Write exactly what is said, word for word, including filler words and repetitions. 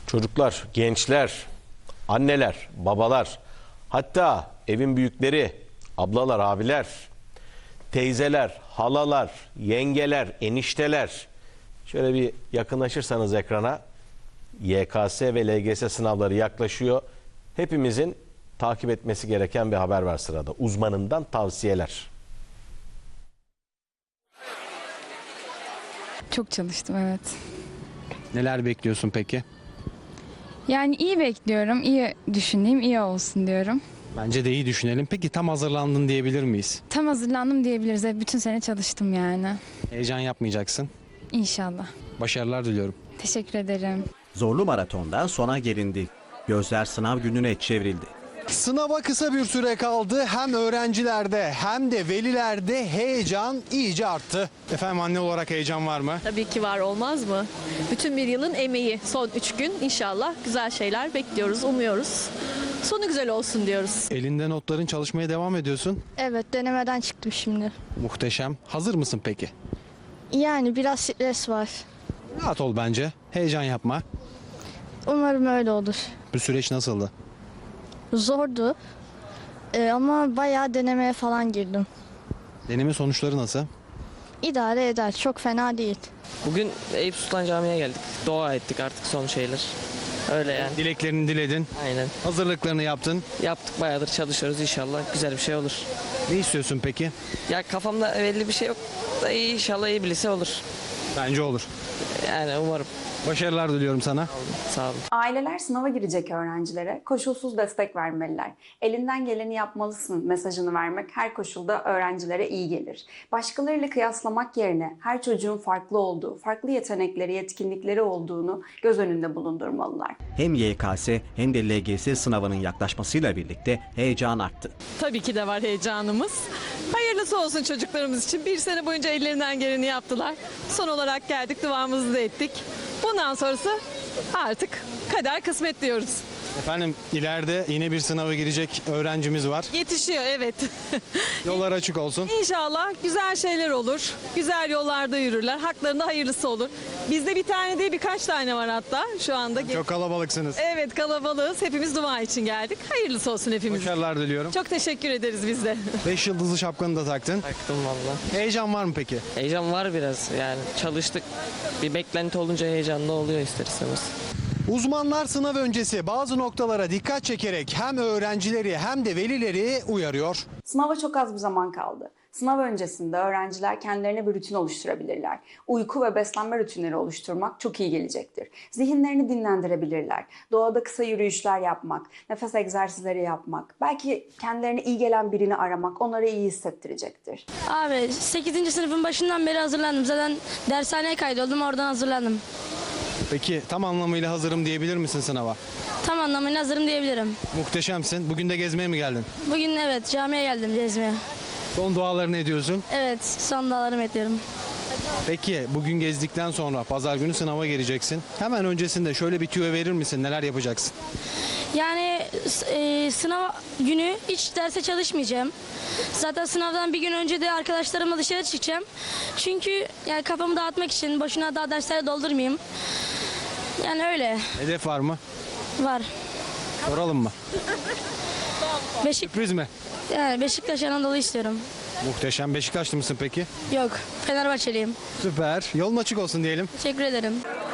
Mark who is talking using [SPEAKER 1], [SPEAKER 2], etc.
[SPEAKER 1] Çocuklar, gençler, anneler, babalar, hatta evin büyükleri, ablalar, abiler, teyzeler, halalar, yengeler, enişteler. Şöyle bir yakınlaşırsanız ekrana, Y K S ve L G S sınavları yaklaşıyor. Hepimizin takip etmesi gereken bir haber var sırada. Uzmanından tavsiyeler.
[SPEAKER 2] Çok çalıştım, evet.
[SPEAKER 3] Neler bekliyorsun peki?
[SPEAKER 2] Yani iyi bekliyorum, iyi düşüneyim, iyi olsun diyorum.
[SPEAKER 3] Bence de iyi düşünelim. Peki tam hazırlandın diyebilir miyiz?
[SPEAKER 2] Tam hazırlandım diyebiliriz. Hep bütün sene çalıştım yani.
[SPEAKER 3] Heyecan yapmayacaksın.
[SPEAKER 2] İnşallah.
[SPEAKER 3] Başarılar diliyorum.
[SPEAKER 2] Teşekkür ederim.
[SPEAKER 4] Zorlu maratondan sona gelindi. Gözler sınav gününe çevrildi.
[SPEAKER 5] Sınava kısa bir süre kaldı. Hem öğrencilerde hem de velilerde heyecan iyice arttı. Efendim, anne olarak heyecan var mı?
[SPEAKER 6] Tabii ki var, olmaz mı? Bütün bir yılın emeği, son üç gün inşallah güzel şeyler bekliyoruz, umuyoruz. Sonu güzel olsun diyoruz.
[SPEAKER 3] Elinde notların, çalışmaya devam ediyorsun.
[SPEAKER 7] Evet, denemeden çıktım şimdi.
[SPEAKER 3] Muhteşem. Hazır mısın peki?
[SPEAKER 7] Yani biraz stres var.
[SPEAKER 3] Rahat ol bence. Heyecan yapma.
[SPEAKER 7] Umarım öyle olur.
[SPEAKER 3] Bu süreç nasıldı?
[SPEAKER 7] Zordu Ee, ama bayağı denemeye falan girdim.
[SPEAKER 3] Deneme sonuçları nasıl?
[SPEAKER 7] İdare eder, çok fena değil.
[SPEAKER 8] Bugün Eyüp Sultan Camii'ye geldik. Dua ettik artık, son şeyler. Öyle yani.
[SPEAKER 3] Dileklerini diledin.
[SPEAKER 8] Aynen.
[SPEAKER 3] Hazırlıklarını yaptın.
[SPEAKER 8] Yaptık, bayağıdır çalışıyoruz, inşallah güzel bir şey olur.
[SPEAKER 3] Ne istiyorsun peki?
[SPEAKER 8] Ya kafamda belli bir şey yok da iyi, inşallah iyi bir lise olur.
[SPEAKER 3] Bence olur.
[SPEAKER 8] Yani umarım.
[SPEAKER 3] Başarılar diliyorum sana.
[SPEAKER 8] Sağ olun.
[SPEAKER 9] Aileler sınava girecek öğrencilere koşulsuz destek vermeliler. Elinden geleni yapmalısın mesajını vermek her koşulda öğrencilere iyi gelir. Başkalarıyla kıyaslamak yerine her çocuğun farklı olduğu, farklı yetenekleri, yetkinlikleri olduğunu göz önünde bulundurmalılar.
[SPEAKER 4] Hem Y K S hem de L G S sınavının yaklaşmasıyla birlikte heyecan arttı.
[SPEAKER 6] Tabii ki de var heyecanımız. Hayırlısı olsun çocuklarımız için. Bir sene boyunca ellerinden geleni yaptılar. Son olarak geldik, duamızı da ettik. Bundan sonrası artık kader kısmet diyoruz.
[SPEAKER 3] Efendim, ileride yine bir sınava girecek öğrencimiz var.
[SPEAKER 6] Yetişiyor, evet.
[SPEAKER 3] Yollar açık olsun.
[SPEAKER 6] İnşallah güzel şeyler olur. Güzel yollarda yürürler. Haklarında hayırlısı olur. Bizde bir tane değil, birkaç tane var hatta şu anda.
[SPEAKER 3] Çok kalabalıksınız.
[SPEAKER 6] Evet, kalabalığız. Hepimiz dua için geldik. Hayırlısı olsun hepimiz.
[SPEAKER 3] Başarılar diliyorum.
[SPEAKER 6] Çok teşekkür ederiz biz de.
[SPEAKER 3] Beş yıldızlı şapkanı da taktın.
[SPEAKER 8] Taktım valla.
[SPEAKER 3] Heyecan var mı peki?
[SPEAKER 8] Heyecan var biraz, yani çalıştık. Bir beklenti olunca heyecanlı oluyor ister istemez.
[SPEAKER 5] Uzmanlar sınav öncesi bazı noktalara dikkat çekerek hem öğrencileri hem de velileri uyarıyor.
[SPEAKER 9] Sınava çok az bir zaman kaldı. Sınav öncesinde öğrenciler kendilerine bir rutin oluşturabilirler. Uyku ve beslenme rutinleri oluşturmak çok iyi gelecektir. Zihinlerini dinlendirebilirler. Doğada kısa yürüyüşler yapmak, nefes egzersizleri yapmak, belki kendilerine iyi gelen birini aramak onları iyi hissettirecektir.
[SPEAKER 7] Abi sekizinci sınıfın başından beri hazırlandım. Zaten dershaneye kaydoldum, oradan hazırlandım.
[SPEAKER 3] Peki tam anlamıyla hazırım diyebilir misin sınava?
[SPEAKER 7] Tam anlamıyla hazırım diyebilirim.
[SPEAKER 3] Muhteşemsin. Bugün de gezmeye mi geldin?
[SPEAKER 7] Bugün evet camiye geldim gezmeye.
[SPEAKER 3] Son dualarını ediyorsun.
[SPEAKER 7] Evet, son dağlarımı ediyorum.
[SPEAKER 3] Peki bugün gezdikten sonra pazar günü sınava gireceksin. Hemen öncesinde şöyle bir tüyo verir misin? Neler yapacaksın?
[SPEAKER 7] Yani e, sınav günü hiç derse çalışmayacağım. Zaten sınavdan bir gün önce de arkadaşlarımla dışarı çıkacağım. Çünkü yani kafamı dağıtmak için boşuna daha dersleri doldurmayayım. Yani öyle
[SPEAKER 3] Hedef var mı?
[SPEAKER 7] var.
[SPEAKER 3] Soralım mı?
[SPEAKER 7] Beşik,
[SPEAKER 3] Sürpriz mi?
[SPEAKER 7] yani Beşiktaş Anadolu istiyorum.
[SPEAKER 3] Muhteşem. Beşiktaşlı mısın peki?
[SPEAKER 7] Yok, Fenerbahçeliyim.
[SPEAKER 3] Süper. Yolun açık olsun diyelim.
[SPEAKER 7] Teşekkür ederim.